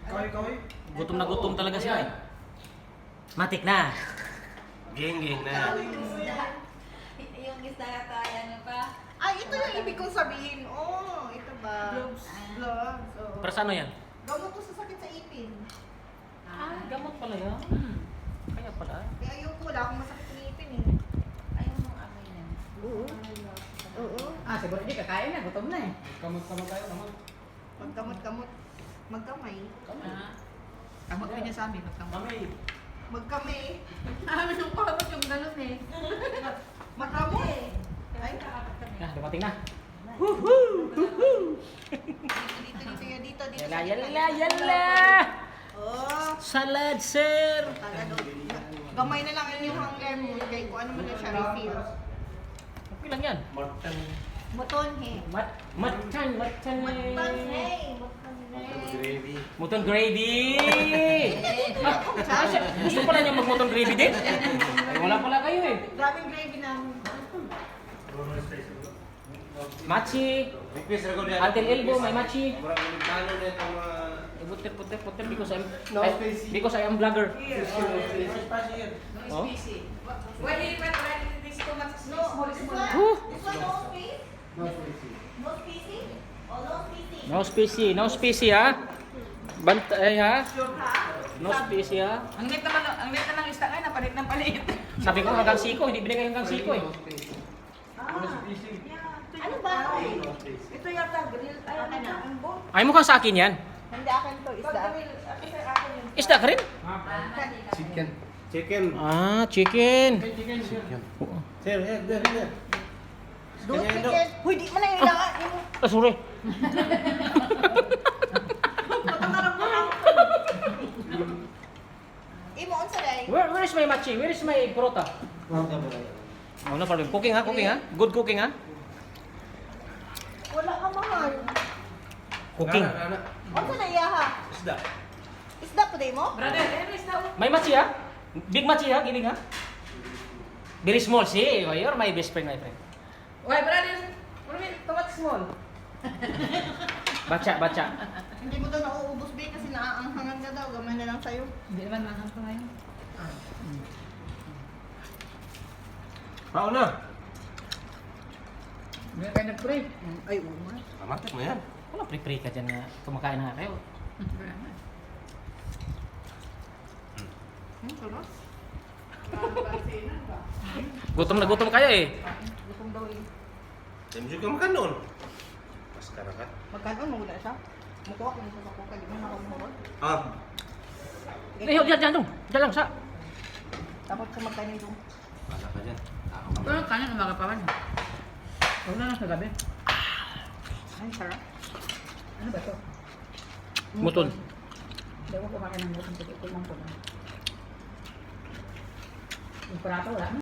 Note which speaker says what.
Speaker 1: Gutom na gutom talaga siya eh. Matik na.
Speaker 2: Geng na.
Speaker 3: Yung isda kaya ano pa?
Speaker 4: Ay, ito yung ibig kong sabihin. Oh, ito ba?
Speaker 3: Gloves.
Speaker 4: Gloves. Oh.
Speaker 1: Para sa ano yan?
Speaker 4: Gamot to sa sakit sa ipin.
Speaker 1: Gamot pala yan. Kaya pala.
Speaker 4: Kaya ayoko, wala akong masakit sa ipin eh.
Speaker 3: Ayaw mong amoy na.
Speaker 4: Oo. Oo.
Speaker 5: Siguro hindi kakain na, gutom na eh.
Speaker 2: Kamot tayo naman.
Speaker 4: Magkamot-kamot. Magkamay.
Speaker 5: Kamot ko niya sa amin, magkamot.
Speaker 4: Magkamay.
Speaker 5: Amin yung kamot yung ganun eh.
Speaker 4: Magkamot. Ay,
Speaker 1: Dumating na.
Speaker 4: dito.
Speaker 1: Yala.
Speaker 4: Oh.
Speaker 1: Salad, sir.
Speaker 4: Talaga. Gamay na lang yung hunger mo. Kaya kung ano man na siya refill.
Speaker 1: Okay lang yan.
Speaker 4: Muton he.
Speaker 1: Matchan.
Speaker 4: Hey.
Speaker 2: Gravy.
Speaker 1: Muton gravy. Gusto pala niya mag-muton gravy din? Ay, wala pala kayo eh.
Speaker 4: Grabing gravy namin.
Speaker 1: Machi.
Speaker 2: Request ra ko diyan.
Speaker 1: Until elbow, may machi.
Speaker 2: Murag ulit na itong mga...
Speaker 1: Puter
Speaker 2: No spicy.
Speaker 1: because I am vlogger. Oh?
Speaker 3: When you went right this too much
Speaker 4: No, this one.
Speaker 1: Whew.
Speaker 4: This one no space? No spacey? Oh, no spacey.
Speaker 1: No spicy ha. Bantay ha. No spicy ha.
Speaker 5: Ang lit naman ng isda ngayon, napalit ng palit.
Speaker 1: Sabi ko hanggang siko, hindi binigay hanggang siko eh.
Speaker 4: Ano ba?
Speaker 3: Ito yata grill. Ay, ano? Ang boat.
Speaker 1: Ay mukhang sa akin yan.
Speaker 4: Hindi akin to,
Speaker 3: Pag
Speaker 4: isda.
Speaker 3: grill, kasi akin yung...
Speaker 1: Isda ka rin?
Speaker 2: Chicken.
Speaker 1: Ah, chicken.
Speaker 2: Sir, here.
Speaker 4: Do chicken. Huy, di mo na yung ilangan.
Speaker 1: Ah, sorry.
Speaker 4: Imo, unsa day?
Speaker 1: Where is my machi? Where is my prota? Oh, no problem. Cooking ha. Good cooking ha.
Speaker 4: Wala ka mahal.
Speaker 1: Cooking.
Speaker 4: Unsa na iyaha?
Speaker 2: Isda.
Speaker 4: Isda pa day mo?
Speaker 5: Brother, ano isda?
Speaker 1: May machi ha? Big machi ha? Giling ha? Very small. See, you're my best friend, my friend.
Speaker 5: Why, brother? What do you mean, too much small?
Speaker 1: Baca.
Speaker 4: Hindi mo daw nauubos ba kasi naaanghangan ka daw. Gamay na lang sa'yo.
Speaker 5: Hindi naman mahal ko ngayon.
Speaker 2: Pao na.
Speaker 5: Hindi kayo nag-pray.
Speaker 4: Ay, oo nga.
Speaker 2: Matik mo yan.
Speaker 1: Wala pre-pre ka dyan na kumakain na kayo.
Speaker 4: Sarap.
Speaker 1: Gutom na gutom kayo eh.
Speaker 4: Gutom daw eh.
Speaker 2: Medyo ka makan noon. Maskara ka.
Speaker 4: Magkanoon mo wala siya? Mukuha ko nito sa kuka. Di mo nakamurot.
Speaker 2: Ah.
Speaker 1: Diyan lang sa.
Speaker 4: Tapos sa magkanin doon.
Speaker 2: Wala ka dyan.
Speaker 5: Ito lang kanin, umaga pa man. Huwag na lang sa gabi.
Speaker 4: Ay, sarap.
Speaker 5: Ano ba ito?
Speaker 1: Muton.
Speaker 5: Hindi ko kumakain ng muton. Ito lang ko lang. Yung prato, wala na.